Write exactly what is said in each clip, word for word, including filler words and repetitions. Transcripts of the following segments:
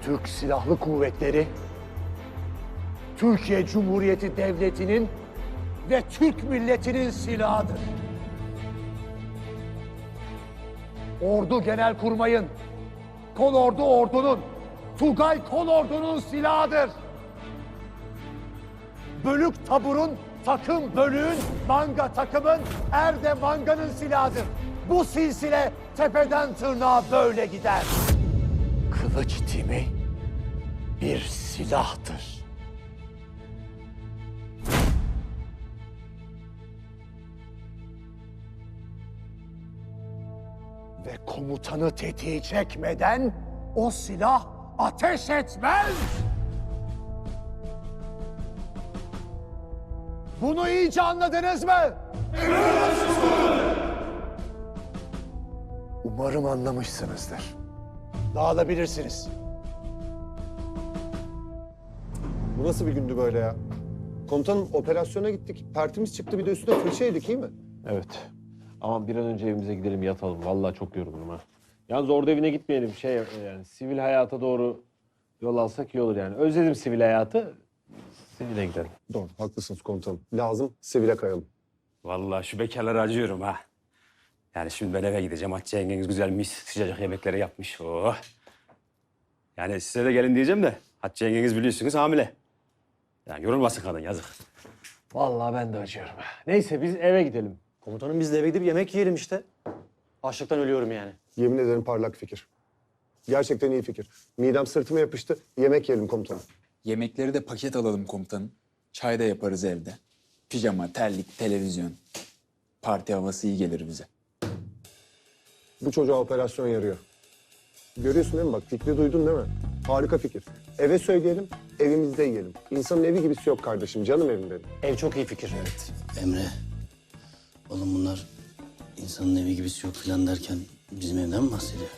Türk Silahlı Kuvvetleri, Türkiye Cumhuriyeti Devleti'nin ve Türk milletinin silahıdır. Ordu Genelkurmay'ın, Kolordu ordunun, Tugay Kolordu'nun silahıdır. Bölük taburun, takım bölüğün, manga takımın, erde manganın silahıdır. Bu silsile tepeden tırnağa böyle gider. Kılıç timi bir silahtır. Ve komutanı tetiği çekmeden o silah ateş etmez. Bunu iyice anladınız mı? Umarım anlamışsınızdır. Dağılabilirsiniz. Bu nasıl bir gündü böyle ya? Komutanım operasyona gittik. Pertimiz çıktı bir de üstüne fırça yedik iyi mi? Evet. Aman bir an önce evimize gidelim yatalım. Vallahi çok yorgunum ha. Yalnız orada evine gitmeyelim. Şey yani sivil hayata doğru yol alsak iyi olur yani. Özledim sivil hayatı. Sivile gidelim. Doğru haklısınız komutanım. Lazım sivile kayalım. Vallahi şu bekarlara acıyorum ha. Yani şimdi ben eve gideceğim. Hatice yengeniz güzel mis sıcacık yemekleri yapmış. Oh. Yani size de gelin diyeceğim de Hatice yengeniz biliyorsunuz hamile. Yani yorulmasın kadın yazık. Vallahi ben de acıyorum ha. Neyse biz eve gidelim. Komutanım biz de eve gidip yemek yiyelim işte. Açlıktan ölüyorum yani. Yemin ederim parlak fikir. Gerçekten iyi fikir. Midem sırtıma yapıştı. Yemek yiyelim komutanım. Yemekleri de paket alalım komutanım. Çay da yaparız evde. Pijama, terlik, televizyon. Parti havası iyi gelir bize. Bu çocuğa operasyon yarıyor. Görüyorsun değil mi bak fikri duydun değil mi? Harika fikir. Eve söyleyelim, evimizde yiyelim. İnsanın evi gibisi yok kardeşim, canım evim benim. Ev çok iyi fikir. Evet. Emre, oğlum bunlar insanın evi gibisi yok falan derken bizim evden mi bahsediyor?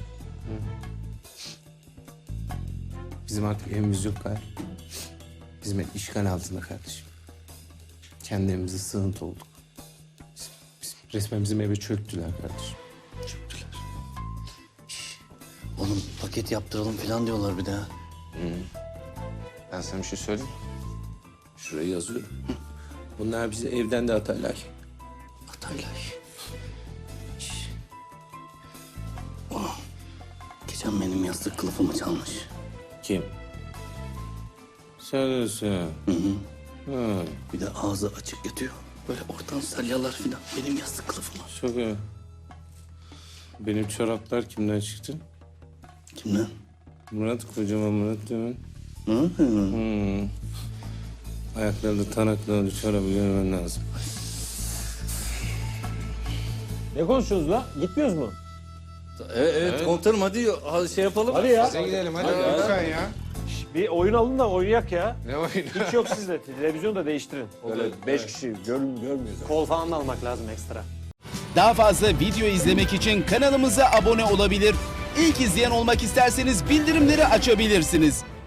Bizim artık evimiz yok Gayrı. Bizim ev işgal altında kardeşim. Kendi evimize sığıntı olduk. Biz, biz, resmen bizim eve çöktüler kardeşim. Çöktüler. Şş, oğlum paket yaptıralım falan diyorlar bir daha. Ben sana bir şey söyleyeyim mi? Şuraya yazıyorum. Bunlar bizi evden de atarlar. Atarlar. Şş. Oğlum, geçen benim yastık kılıfımı çalmış. Kim? Sarısı. Hı hı. Ha, Bir de ağzı açık yatıyor. Böyle oradan salyalar falan benim yastık kılıfıma. çok iyi. Benim çoraplar kimden çıktı? Kimden? Murat, kocaman Murat değil mi? Hı hı. Hmm. Ayaklarında tanaklarında çorabı görmen lazım. Ne konuşuyoruz la? Gitmiyoruz mu? Evet, evet, komutanım hadi şey yapalım. Hadi ya. Hadi gidelim hadi, lütfen ya. Bir oyun alın da oynayak ya. Ne oyunu? Hiç yok sizde. Televizyonu da değiştirin. Böyle beş kişi gör, görmüyoruz. Kol falan da almak lazım ekstra. Daha fazla video izlemek için kanalımıza abone olabilir. İlk izleyen olmak isterseniz bildirimleri açabilirsiniz.